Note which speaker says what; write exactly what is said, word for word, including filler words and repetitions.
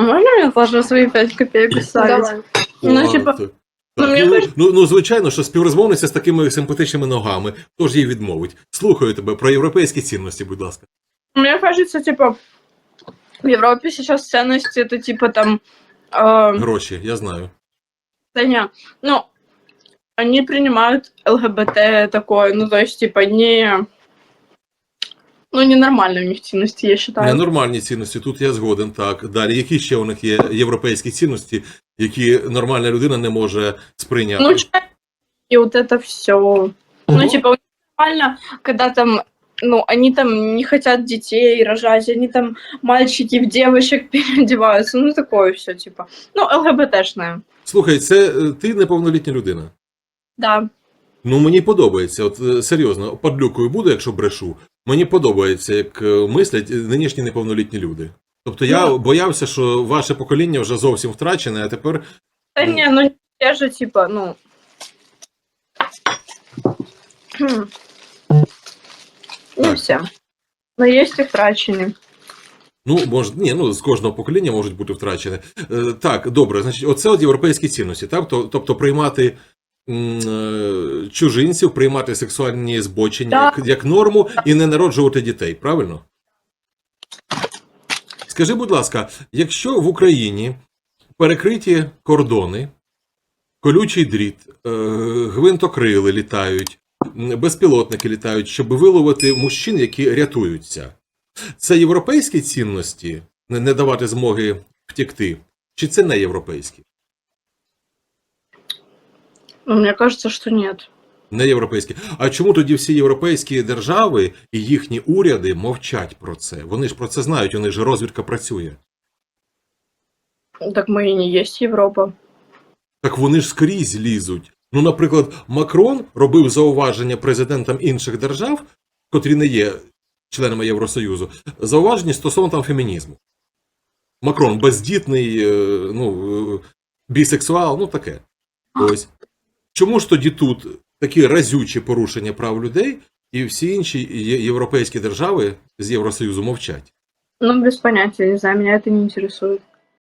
Speaker 1: А можно мне тоже свои пять копеек оставить?
Speaker 2: Давай.
Speaker 1: Ну,
Speaker 3: О,
Speaker 1: типа,
Speaker 3: так.
Speaker 1: ну,
Speaker 3: Так,
Speaker 1: мені
Speaker 3: ну,
Speaker 1: кажуть-
Speaker 3: ну, ну, звичайно, що співрозмовниця з такими симпатичними ногами, хто ж їй відмовить? Слухаю тебе про європейські цінності, будь ласка.
Speaker 1: мне кажется, типа, в Европе сейчас ценности это типа там... э,
Speaker 3: Гроші, я знаю.
Speaker 1: да не, ну, они принимают ЛГБТ такое, ну, то есть, типа, не... Ну, ненормальные у них ценности, я считаю.
Speaker 3: Ненормальні цінності, тут я згоден, так. Далі, які ще у них є європейські цінності, які нормальна людина не може сприйняти?
Speaker 1: Ну, чай и вот это все. Ну,
Speaker 3: Ого.
Speaker 1: типа, у них нормально, когда там, ну, они там не хотят детей рожать, они там мальчики в девочек переодеваются, ну, такое все, типа. Ну, ЛГБТшное.
Speaker 3: Слухай, це е, ти неповнолітня людина.
Speaker 1: Да.
Speaker 3: Ну, мені подобається, от е, серйозно, падлюкою буду, якщо брешу. Мені подобається, як е, мислять нинішні неповнолітні люди. Тобто я
Speaker 1: Ну.
Speaker 3: боявся, що ваше покоління вже зовсім втрачене, а тепер
Speaker 1: Да
Speaker 3: Ну.
Speaker 1: не, ну, те же, типа, ну... хм, Не
Speaker 3: Так.
Speaker 1: все. Но есть и втрачені.
Speaker 3: Ну, може, ні, ну, з кожного покоління можуть бути втрачені. Е, так, добре, значить, оце от європейські цінності, так? То- Тобто приймати м, е, чужинців, приймати сексуальні збочення як, як норму і не народжувати дітей, правильно? Скажи, будь ласка, якщо в Україні перекриті кордони, колючий дріт, е, гвинтокрили літають, м, безпілотники літають, щоб виловити мужчин, які рятуються, це європейські цінності не не давати змоги втекти? Чи це не європейські?
Speaker 1: Ну, мне кажется, что нет.
Speaker 3: Не європейські. А чому тоді всі європейські держави і їхні уряди мовчать про це? Вони ж про це знають, у них же розвідка працює.
Speaker 1: Так мы и не есть Европа.
Speaker 3: Так вони ж скрізь лізуть. Ну, наприклад, Макрон робив зауваження президентам інших держав, котрі не є членами Євросоюзу, зауваження стосовно там фемінізму. Макрон бездітний, е, ну, е, бісексуал, ну таке. Ось. Чому ж тоді тут такі разючі порушення прав людей, і всі інші є- європейські держави з Євросоюзу мовчать?
Speaker 1: Ну, без понятия, не знаю, меня это не интересует.